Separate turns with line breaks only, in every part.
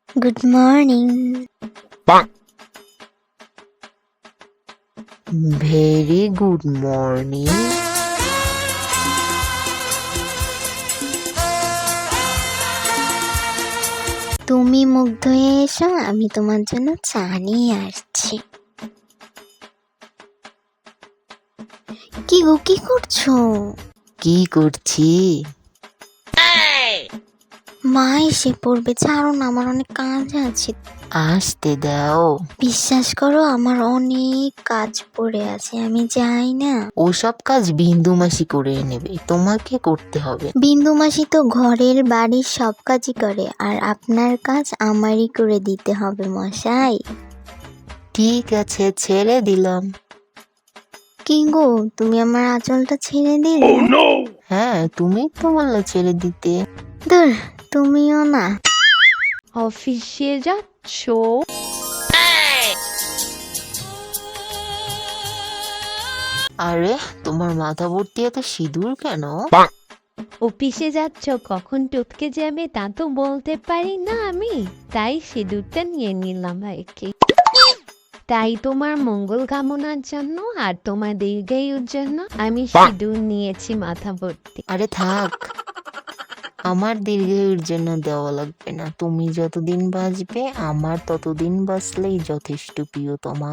Good morning.
Very good morning.
তুমি মুগ্ধ হয়ে এসো, আমি তোমার জন্য চা নিয়ে আসছি। কি গো, কি করছো?
কি করছি?
মা এসে পড়বে, ছাড়ো না, আমার অনেক কাজ আছে।
আসতে দাও।
বিশ্বাস করো, আমার অনেক কাজ পড়ে আছে, আমি যাই না।
ওসব কাজ বিন্দু মাসি করে নেবে, তোমাকে করতে হবে।
বিন্দু মাসি তো ঘরের বাড়ির সব কাজই করে, আর আপনার কাজ আমারই করে দিতে হবে মশাই।
ঠিক আছে, ছেড়ে দিলাম।
কি গো, তুমি আমার আঁচলটা ছেড়ে দিলে?
হ্যাঁ, তুমি তো বললে ছেড়ে দিতে।
ধুর, তুমিও না।
অফিসে যাচ্ছ?
আরে, তোমার মাথা ভর্তি এত সিঁদুর কেন?
অফিসে যাচ্ছ, কখন টপকে যাবে তা তো বলতে পারি না আমি, তাই সিঁদুরটা নিয়ে নিলাম আর কি। তাই তোমার মঙ্গল কামনার জন্য আর তোমার দীর্ঘায়ুর জন্য আমি সিঁদুর নিয়েছি মাথা ভর্তি।
আরে থাক, আমার দীর্ঘায়ুর জন্য দেওয়া লাগবে না। তুমি যতদিন বাঁচবে, আমার ততদিন বাঁচলেই যথেষ্ট, প্রিয়তমা।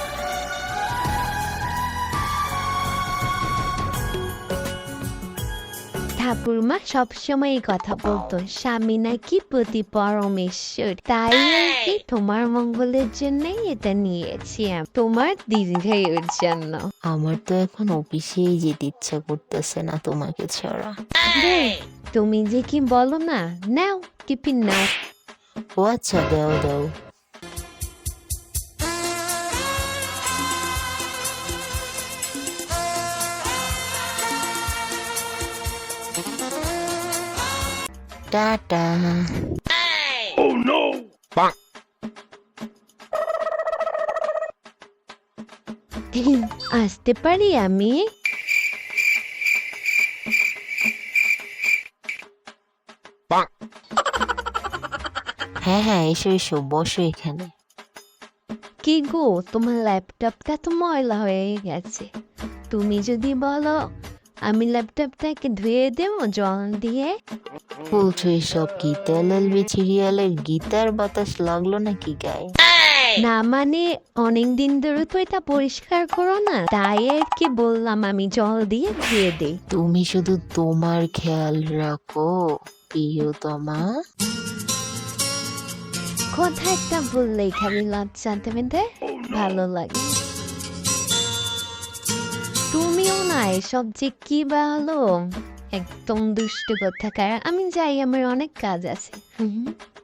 ঠাকুরমা সবসময় এই কথা বলতো, স্বামী নাকি পতি পরমেশ্বর। তাই আর কি তোমার মঙ্গলের জন্যই এটা নিয়েছি আমি, তোমার দীর্ঘায়ুর জন্য।
আমার তো এখন অফিসেই যেতে ইচ্ছা করতেছে না তোমাকে ছাড়া।
তুমি যে কি বলো না, নাও টিফিন নাও।
ও আচ্ছা, দাও দাও। টাটা।
আসতে পারি আমি?
হ্যাঁ হ্যাঁ, এসো এসো, বসো এখানে।
কি গো, তোমার ল্যাপটপটা তো ময়লা হয়ে গেছে, তুমি যদি বলো আমি ল্যাপটপটাকে ধুয়ে দেবো জল দিয়ে।
বলছো এসব কি? তেল এলবি সিরিয়ালের গীতার বাতাস লাগলো নাকি গায়ে?
না মানে অনেকদিন ধরে তো এটা পরিষ্কার করো না, তাই আর কি বললাম আমি জল দিয়ে ধুয়ে দিই।
তুমি শুধু তোমার খেয়াল রাখো, প্রিয়তমা।
কথা একটা বললেই খালি লজ্জা দেবে, ভালো লাগে। তুমিও না এসব যে কি ভালো, একদম দুষ্ট কোথাকার। আমি যাই, আমার অনেক কাজ আছে।